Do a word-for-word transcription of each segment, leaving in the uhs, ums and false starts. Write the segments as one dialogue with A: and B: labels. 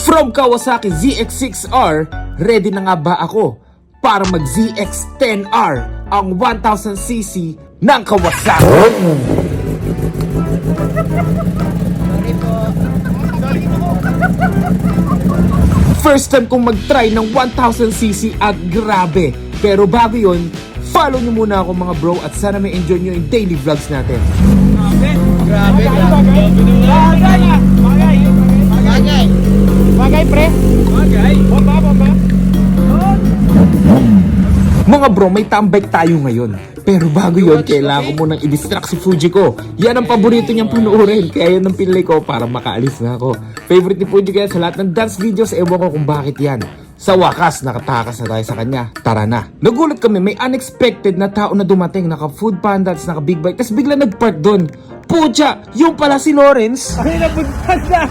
A: From Kawasaki Z X six R, ready na nga ba ako para mag Z X ten R, ang one thousand c c ng Kawasaki? First time kong mag-try ng one thousand c c at grabe. Pero bago yun, follow nyo muna ako mga bro at sana may enjoy nyo yung daily vlogs natin.
B: Grabe, grabe. Bagay, bagay. Bagay. Bagay, pre. Bagay. Bomba, bomba.
A: Mga bro, may tambay tayo ngayon. Pero bago yun, kailangan ko munang i-distract si Fuji ko. Yan ang paborito niyang panuorin. Kaya yun ang pinili ko para makaalis na ako. Favorite ni Fuji kaya sa lahat ng dance videos, ewan ko kung bakit yan. Sa wakas, nakatakas na tayo sa kanya. Tara na. Nagulat kami, may unexpected na tao na dumating. Naka food panda, naka big bike. Tapos bigla nag-park doon. Pucha, yung pala si Lawrence.
B: Ay, napuntan na.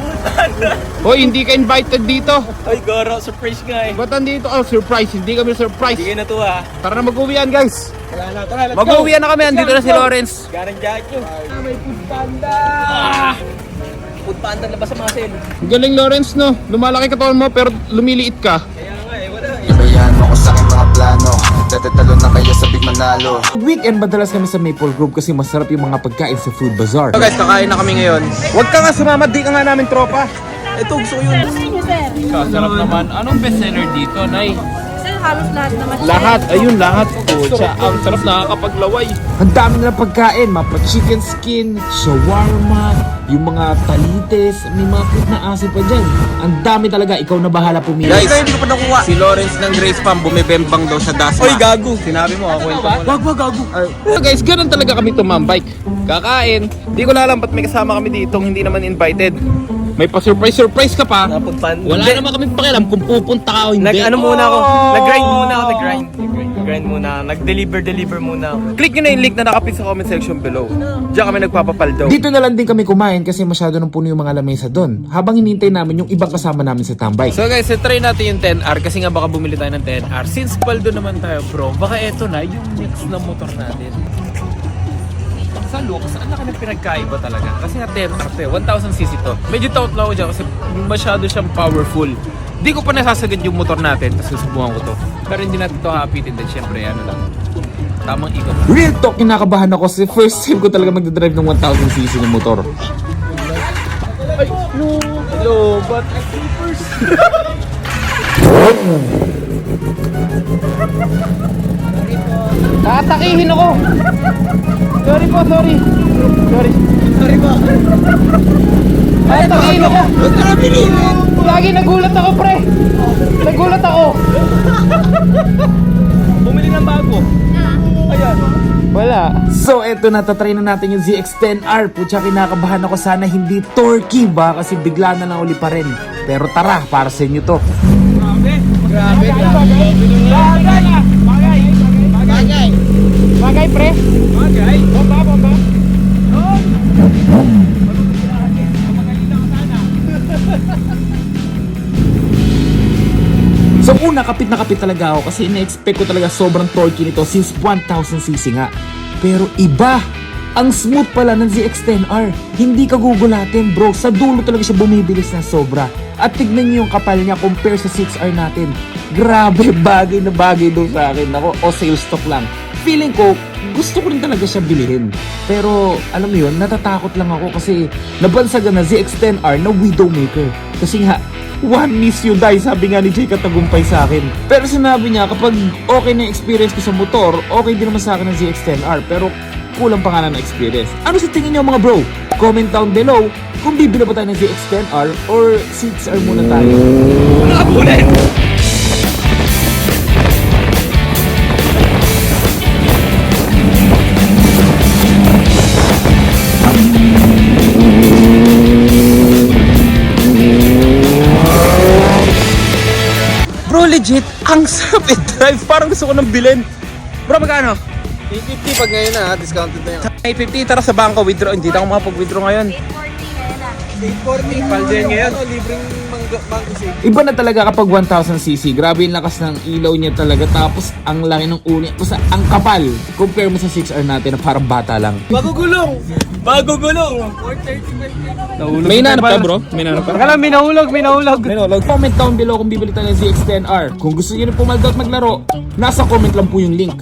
C: Hoy, hindi ka invited dito.
B: Ay, Goro, surprise nga eh.
C: Ba't andito? Oh, surprise. Hindi kami surprise.
B: Hindi kayo natuwa.
C: Tara na mag-uwian, guys.
B: Tara na, tara, let's go.
C: Mag-uwian na kami. Andito na si Lawrence.
B: Garang jacket nyo. Ah, may food panda. Ah, food panda labas sa mga sale.
C: Galing, Lawrence, no? Lumalaki katawan mo, pero lumiliit ka.
B: Kaya nga eh, wala eh.
D: Ibayan mo ko sa aking mga plano. Dadatalo na kayo sa big manalo.
A: Weekend madalas kami sa Maple Grove kasi masarap yung mga pagkain sa Food Bazaar.
C: So guys, kakain na kami ngayon. Huwag ka nga sumama, di ka nga namin tropa.
B: Ito, gusto ko yun.
C: Sarap naman. Anong bestseller dito, Nay?
E: Sir, halos lahat naman.
C: Lahat, ayun, lahat. Pucha, ang sarap, nakakapaglaway.
A: Ang dami na pagkain, mga chicken skin, shawarma, yung mga talites, may mga fruit na aso pa dyan. Ang dami talaga, ikaw na bahala pumili.
C: Guys, hindi ko pa nakuha. Si Lawrence ng Grace Farm bumibembang daw sa Dasma.
B: Oy, gago.
C: Sinabi mo, ako ito.
B: Wag, wag, gago.
C: So guys, ganun talaga kami tumambike. Kakain. Di ko na alam ba't may kasama kami dito hindi naman invited. May pa-surprise-surprise ka pa.
B: Food panda.
C: Wala naman kami pakialam kung pupunta ka o hindi.
B: Nag ano muna ako, nag-grind muna ako, nag-grind. Nag-grind muna, nag-deliver, deliver muna ako.
C: Click nyo na yung link na nakapin sa comment section below. Diyan kami nagpapapaldaw.
A: Dito na lang din kami kumain kasi masyado nang puno yung mga lamesa doon. Habang hinintay namin yung ibang kasama namin sa tambay.
C: So guys, try natin yung ten R kasi nga baka bumili tayo ng ten R. Since paldo naman tayo bro, baka eto na yung mix na motor natin. Sa looks, ang laki ng pinagkaiba talaga. Kasi nga ten R to eh, one thousand c c to. Medyo taut lang ako dyan kasi masyado siyang powerful. Di ko pa nasasagad yung motor natin, tapos susubukan ko to. Pero hindi natin to hapitin din, syempre ano lang. Tamang ikot.
A: Real talk, kinakabahan ako kasi first time ko talaga magdadrive ng one thousand c c ng motor.
C: Ay, no! Hello, but sleepers! Tatakihin ako! Sorry po, sorry. Sorry.
B: Sorry po.
C: Tatakihin ako!
B: Ba't ka nabilin?
C: Lagi nagulat ako, pre! Nagulat ako!
B: Bumili ng bago. Ayan.
C: Wala.
A: So eto na, tatry na natin yung Z X ten R. Putya, kinakabahan ako, sana hindi torquey ba kasi bigla na lang uli pa rin. Pero tara, para sa inyo to.
B: Grabe. Grabe, grabe. Bagay. Bagay. Bagay.
C: Bagay, pre!
B: Bagay. Bomba, bomba.
A: So una, kapit na kapit talaga ako kasi ina-expect ko talaga sobrang torquey nito since one thousand c c nga. Pero iba! Ang smooth pala ng Z X ten R. Hindi ka gugulatin bro. Sa dulo talaga siya bumibilis na sobra. At tignan niyo yung kapal niya compare sa six R natin. Grabe, bagay na bagay doon sa akin. Ako, o sales stock lang. Feeling ko, gusto ko rin talaga siya bilhin. Pero, alam mo yun, natatakot lang ako kasi nabansagan na Z X ten R na Widowmaker. Kasi nga, one miss you die, sabi nga ni Jay Katagumpay sa akin. Pero sinabi niya, kapag okay na yung experience ko sa motor, okay din naman sa akin ng Z X ten R. Pero, kulang pa nga na experience. Ano sa tingin niyo mga bro? Comment down below kung bibili pa tayo ng Z X ten R or six R muna tayo.
B: Ano ka bulan?
C: Bro, legit, ang sarap i-drive. Parang gusto ko nang bilhin. Bro, magkano?
D: eight fifty pag ngayon na, discounted na yun.
C: eight fifty, tara sa bangko, withdraw. Hindi na ako makapag-withdraw ngayon.
B: eight forty.
C: Paldo yan ngayon.
D: Ano, libreng mga
B: mango shake.
A: Iba na talaga kapag one thousand c c. Grabe yung lakas ng ilaw niya talaga. Tapos ang laki ng ulo niya. Basta ang kapal. Compare mo sa six R natin na parang bata lang.
B: Bago gulong! Bago gulong! four thirty-five.
A: May nanap ka bro? May nanap ka?
B: Baka lang, may nahulog, may nahulog.
A: Minolog. Comment down below kung bibili tayo ng Z X ten R. Kung gusto niyo rin pumaldot maglaro, nasa comment lang po yung link.